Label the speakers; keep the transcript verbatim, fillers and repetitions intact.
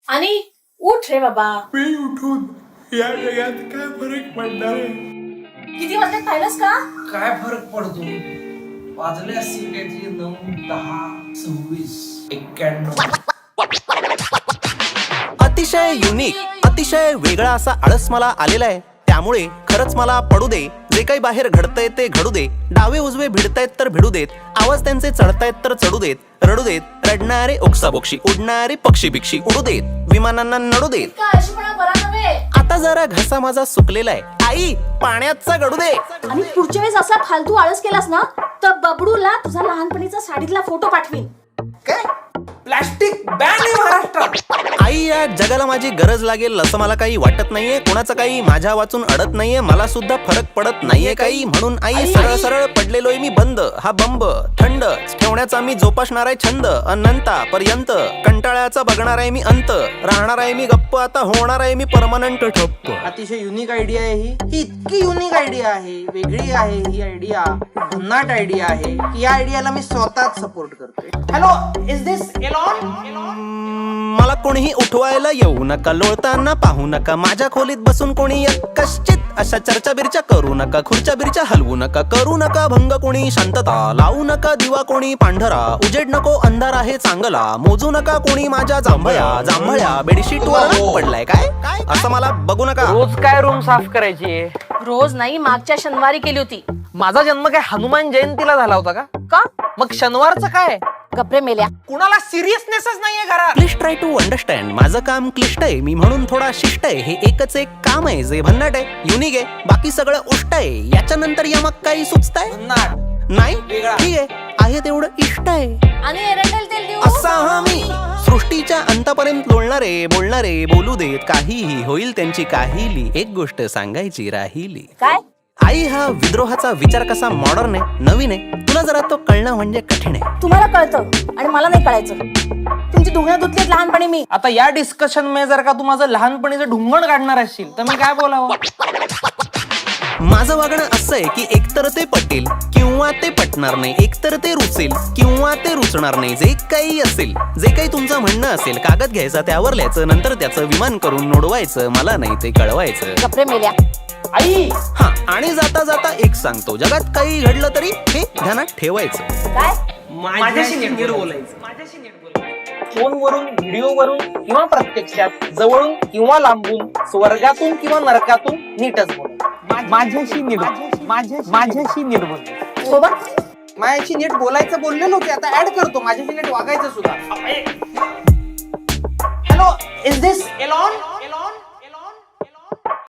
Speaker 1: आणि उठ रे बाबा.
Speaker 2: मी उठून या जगात काय फरक पडणार आहे?
Speaker 1: किती वाजले पाहिलंस का?
Speaker 3: काय फरक पडतो? वाजले असतील काहीतरी नऊ दहा सव्वीस एक्क्याण्णव.
Speaker 4: अतिशय युनिक अतिशय वेगळा असा आळस मला आलेला आहे. त्यामुळे खरंच मला पडू दे, जे काही बाहेर घडतंय ते घडू दे. डावे उजवे भिडतायत तर भिडू देत, आवाज त्यांचे चढतायत तर चढू देत, रडू देत. रडणारे ओक्साबोक्षी, उडणारे पक्षी बिक्षी उडू देत, विमानांना नडू देत.
Speaker 1: इतका अशीपणा बरा नव्हे.
Speaker 4: आता जरा घसा माझा सुकलेला आहे, आई पाण्याचा गडू दे.
Speaker 1: आणि पुढच्या वेळेस असा फालतू आळस केलास ना तर बबडूला तुझा लहानपणीचा साडीतला फोटो पाठवीन.
Speaker 3: काय प्लास्टिक बॅन आहे महाराष्ट्रात.
Speaker 4: आई या जगाला माझी गरज लागेल असं मला काही वाटत नाहीये. कोणाचं काही माझ्या वाचून अडत नाहीये, मला सुद्धा फरक पडत नाहीये काही. म्हणून आई सरळ सरळ पडलेलोय मी बंद. हा बंब थंड ठेवण्याचा मी जोपासणार आहे छंद. अनंतापर्यंत कंटाळ्याचा बघणार आहे मी अंत. राहणार आहे मी गप्प, आता होणार आहे मी परमनंट ठप्प.
Speaker 3: अतिशय युनिक आयडिया आहे ही. ही इतकी युनिक आयडिया आहे, वेगळी आहे ही आयडिया, भन्नाट आयडिया आहे की या आयडियाला मी स्वतःच सपोर्ट करतोय. Hello, is this Elon?
Speaker 4: मला कोणीही उठवायला येऊ नका, लोळताना पाहू नका. माझ्या खोलीत बसून कोणी कश्चित अशा चर्चा बिरच्या करू नका. खुर्च्या बिरच्या हलवू नका, करू नका भंग कोणी शांतता. लावू नका दिवा कोणी पांढरा, उजेड नको अंधार आहे चांगला. मोजू नका कोणी माझ्या जांभळ्या जांभळ्या बेडशीट वर पडलाय काय असं मला बघू नका.
Speaker 5: रोज काय रूम साफ करायची?
Speaker 1: रोज नाही, मागच्या शनिवारी केली होती.
Speaker 5: माझा जन्म काय हनुमान जयंतीला झाला होता का?
Speaker 1: का?
Speaker 5: मग शनिवारचं काय?
Speaker 1: गप्रे मेल्या.
Speaker 5: कुणाला सिरियसनेसच नाहीये घरात.
Speaker 4: Please try to understand. माझं काम क्लिष्ट आहे, मी म्हणून थोडा शिष्ट आहे. हे एकच एक काम आहे जे भन्नाट आहे, युनिक आहे, बाकी सगळं उष्ट आहे. याच्या नंतर यमक काही सुचताय
Speaker 3: भन्नाट
Speaker 4: नाही?
Speaker 3: वेगळा.
Speaker 4: ठीक आहे, आहे तेवढं इष्ट आहे.
Speaker 1: आणि एरंडेल तेल देऊ.
Speaker 4: असा हा मी सृष्टीच्या अंतापर्यंत लोळणारे बोलणारे बोलू देत. काहीही होईल त्यांची काहीली, एक गोष्ट सांगायची राहिली.
Speaker 1: काय?
Speaker 4: आई हा विद्रोहाचा विचार कसा मॉडर्न आहे, नवीन आहे. तुला जरा तो कळणं म्हणजे कठीण आहे.
Speaker 1: तुम्हाला कळतं आणि मला नाही कळायचं. तुमची धुण्या धुतलीत लहानपणी मी.
Speaker 5: आता या डिस्कशन मध्ये जर का तू माझं लहानपणीचं ढुंगण काढणार असशील तर मी काय बोलावं?
Speaker 4: माझं वागणं असं आहे की एकतर ते पटेल किंवा ते पटणार नाही, एकतर ते रुचेल किंवा ते रुचणार नाही. जे काही असेल, जे काही तुमचं म्हणणं असेल, कागद घ्यायचा त्यावर लिहायचं, नंतर त्याचं विमान करून नोडवायचं. मला नाही ते कळवायचं.
Speaker 1: गप्रे मेल्या.
Speaker 5: आई
Speaker 4: हा, आणि जाता जाता एक सांगतो, जगात काही घडलं तरी हे ध्यानात ठेवायचं.
Speaker 1: काय?
Speaker 5: माझ्याशी नीट बोलायचं. माझ्याशी नीट बोलायचं. फोनवरून, व्हिडिओवरून किंवा प्रत्यक्षात, जवळून किंवा लांबून, स्वर्गातून किंवा नरकातून नीटच बोल. माझ्याशी नीट माझ्याशी नीट बोल.
Speaker 1: सोबत
Speaker 3: माझ्याशी नीट बोलायचं बोललेलो की आता ऍड करतो माझ्याशी नीट वागायचं सुद्धा. Hello, is this Elon?